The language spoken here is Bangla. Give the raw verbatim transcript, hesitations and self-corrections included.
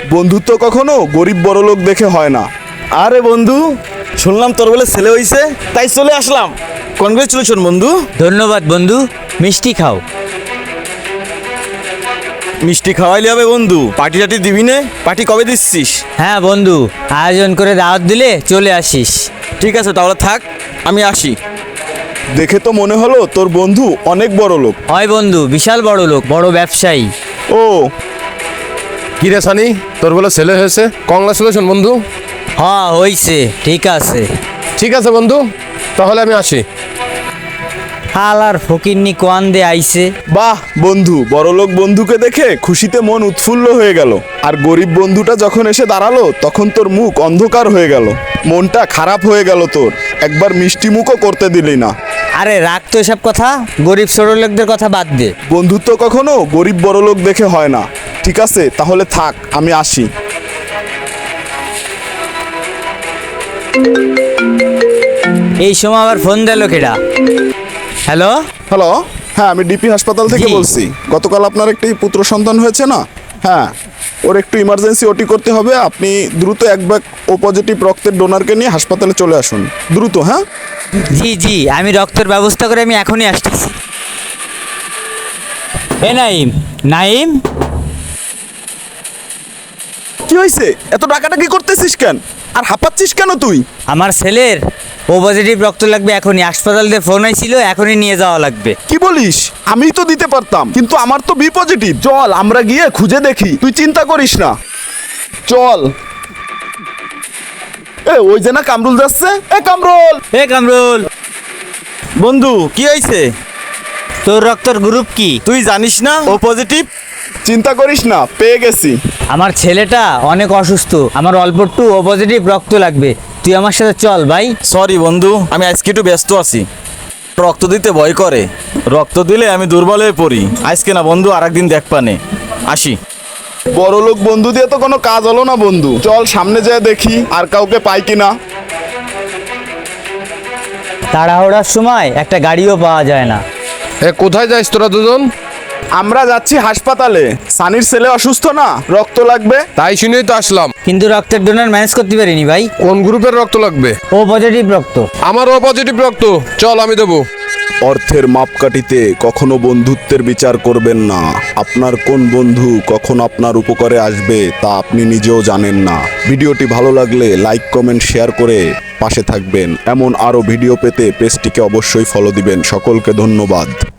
বন্ধুত্ব কখনো গরিব বড়লোক দেখে হয় না। আরে বন্ধু, শুনলাম তোর বলে ছেলে হইছে, তাই চলে আসলাম। কনগ্রেচুলেশন বন্ধু। ধন্যবাদ বন্ধু, মিষ্টি খাও। মিষ্টি খাওয়াইলে হবে বন্ধু, পার্টি টাটি দিবি নে? পার্টি কবে দিচ্ছিস? হ্যাঁ বন্ধু, আয়োজন করে দাওয়াত দিলে চলে আসিস। ঠিক আছে তাহলে থাক, আমি আসি। দেখে তো মনে হলো তোর বন্ধু অনেক বড় লোক। হয় বন্ধু, বিশাল বড় লোক, বড় ব্যবসায়ী। ও কি রে সানি, তোর বলে ছেলে হয়েছে, কংগ্রাচুলেশন বন্ধু। হ্যাঁ হইছে, ঠিক আছে। ঠিক আছে বন্ধু, তাহলে আমি আসি। হাল আর ফকিরনি কোয়ান দে আইছে। বাহ বন্ধু, বড়লোক বন্ধুকে দেখে খুশিতে মন উৎফুল্ল হয়ে গেল। আর গরিব বন্ধুটা যখন এসে দাঁড়ালো তখন তোর মুখ অন্ধকার হয়ে গেল, মনটা খারাপ হয়ে গেল তোর। একবার মিষ্টি মুখও করতে দিলি না। আরে রাখ তো এসব কথা, গরিব ছোট লোকদের কথা বাদ দে। বন্ধুত্ব কখনো গরিব বড়লোক দেখে হয় না। ঠিক আছে তাহলে থাক, আমি আসি। এই সময় আবার ফোন দিল কেডা? হ্যালো, হ্যালো, হ্যাঁ আমি ডিপি হাসপাতাল থেকে জি। বলছি। গতকাল আপনার একটি পুত্র সন্তান হয়েছে না? হ্যাঁ, ওর একটু ইমার্জেন্সি ওটি করতে হবে। আপনি দ্রুত এক ব্যাগ ও পজিটিভ রক্তের ডোনারকে নিয়ে হাসপাতালে চলে আসুন দ্রুত। হ্যাঁ জি জি, আমি রক্তের ব্যবস্থা করে আমি এখনই আসতেছি। এ নাইম, নাইম, কি হয়েছে? এত টাকাটাকি করতেছিস কেন আর হাঁপাচ্ছিস কেন তুই? আমার ছেলের ও পজিটিভ রক্ত লাগবে এখনই। হাসপাতাল দিয়ে ফোন আইছিল, এখনই নিয়ে যাওয়া লাগবে। কি বলিস? আমি তো দিতে পারতাম, কিন্তু আমার তো বি পজিটিভ। চল আমরা গিয়ে খুঁজে দেখি, তুই চিন্তা করিস না, চল। এ ওই যে না কামরুল যাচ্ছে। এ কামরুল, এ কামরুল, বন্ধু কি হয়েছে? তোর রক্তের গ্রুপ কি? তুই জানিস না ও পজিটিভ? চিন্তা করিস না, পেয়ে গেছি। আমার ছেলেটা অনেক অসুস্থ, আমার অল্প একটু ও পজিটিভ রক্ত লাগবে। তুই আমার সাথে চল ভাই। সরি বন্ধু, আমি আজকে একটু ব্যস্ত আছি। রক্ত দিতে ভয় করে, রক্ত দিলে আমি দুর্বল হয়ে পড়ি। আজকে না বন্ধু, আর একদিন দেখ পানে। আসি। বড়লোক বন্ধু দিয়ে তো কোনো কাজ হলো না বন্ধু। চল সামনে যেয়ে দেখি আর কাউকে পাই কিনা। তাড়াহুড়ার সময় একটা গাড়িও পাওয়া যায় না। এ কোথায় যাইস তোরা দুজন? আমরা যাচ্ছি হাসপাতালে, সানির ছেলে অসুস্থ না, রক্ত লাগবে। তাই শুনেই তো আসলাম। কিন্তু রক্তের ডোনার ম্যানেজ করতে পারিনি ভাই। কোন গ্রুপের রক্ত লাগবে? ও পজিটিভ রক্ত। আমারও পজিটিভ রক্ত, চল আমি দেবো। অর্থের মাপকাঠিতে কখনো বন্ধুত্বের বিচার করবেন না। আপনার কোন বন্ধু কখন আপনার উপকারে আসবে তা আপনি নিজেও জানেন না। ভিডিওটি ভালো লাগলে লাইক কমেন্ট শেয়ার করে পাশে থাকবেন। এমন আরও ভিডিও পেতে পেজটিকে অবশ্যই ফলো দিবেন। সকলকে ধন্যবাদ।